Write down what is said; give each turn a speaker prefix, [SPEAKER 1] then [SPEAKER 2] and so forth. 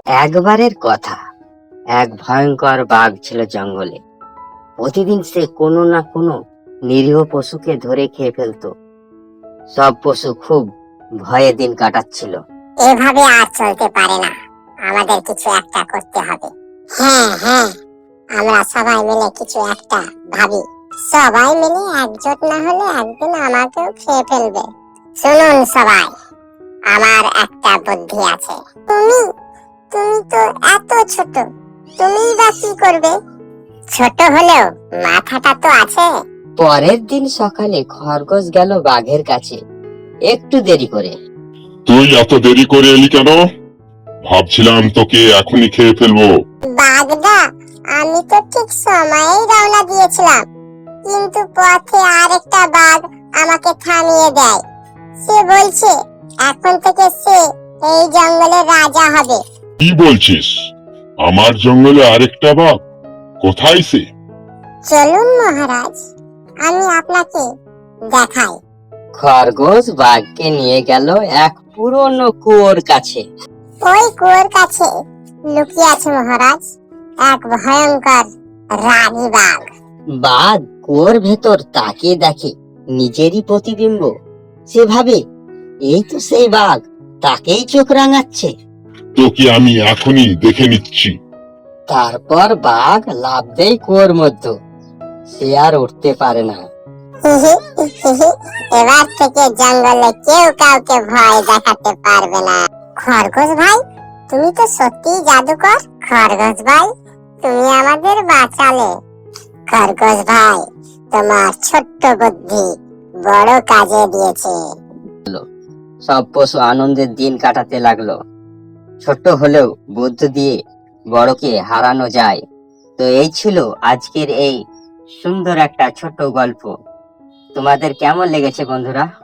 [SPEAKER 1] একবারের কথা, এক ভয়ঙ্কর বাঘ ছিল জঙ্গলে। প্রতিদিন সে কোনো না কোনো নিরীহ পশুকে ধরে খেয়ে ফেলতো। সব পশু খুব ভয়ে দিন কাটাচ্ছিল।
[SPEAKER 2] এভাবে আর চলতে পারে না, আমাদের কিছু একটা করতে হবে। হ্যাঁ হ্যাঁ, আমরা সবাই মিলে কিছু একটা ভাবি। সবাই মিলে একজোট না হলে একদিন আমাকেও খেয়ে ফেলবে। শুনুন সবাই, আমার একটা বুদ্ধি আছে। তুমি তুমি তো এত ছোট, তুমিই বা কি করবে? ছোট হলেও মাথাটা তো আছে।
[SPEAKER 1] পরের দিন সকালে খরগোশ গেল বাঘের কাছে একটু দেরি করে।
[SPEAKER 3] তুই এত দেরি করে এলি কেন? ভাবছিলাম তোকে এখনই খেয়ে ফেলবো।
[SPEAKER 2] বাঘদা, আমি তো ঠিক সময়েই রওনা দিয়েছিলাম, কিন্তু পথে আরেকটা বাঘ আমাকে থামিয়ে দেয়। সে বলছে এখন থেকে সে এই জঙ্গলের রাজা হবে।
[SPEAKER 3] কি বলছিস? আমার জঙ্গলে আরেকটা বাঘ? কোথায় সে?
[SPEAKER 2] চলুন মহারাজ, আমি আপনাকে দেখাই।
[SPEAKER 1] খরগোশ বাঘকে নিয়ে গেল এক পুরনো কুয়োর কাছে।
[SPEAKER 2] ওই কুয়োর কাছে লুকিয়ে আছে মহারাজ এক ভয়ঙ্কর রাগী বাঘ।
[SPEAKER 1] বাঘ কুয়োর ভেতর তাকিয়ে দেখে নিজেরই প্রতিবিম্ব। সে ভাবে, এই তো সেই বাঘ, তাকেই চোখ রাঙাচ্ছে।
[SPEAKER 3] তোকে আমি এখনই দেখে নিচ্ছি।
[SPEAKER 1] তারপর বাঘ লাফ দেয় কুয়োর মধ্যে। সে আর উঠতে পারে না।
[SPEAKER 2] এবার থেকে জঙ্গলে কেউ কাউকে ভয় দেখাতে পারবে না। খরগোশ ভাই, তুমি তো সত্যিই জাদুকর। খরগোশ ভাই, তুমি আমাদের বাঁচালে। খরগোশ ভাই, তোমার ছোট্ট বুদ্ধি বড় কাজে দিয়েছে।
[SPEAKER 1] সব পশু আনন্দের দিন কাটাতে লাগলো। ছোট হলেও বুদ্ধি দিয়ে বড়কে হারানো যায়। তো এই ছিল আজকের এই সুন্দর একটা ছোট্ট গল্প। তোমাদের কেমন লেগেছে বন্ধুরা?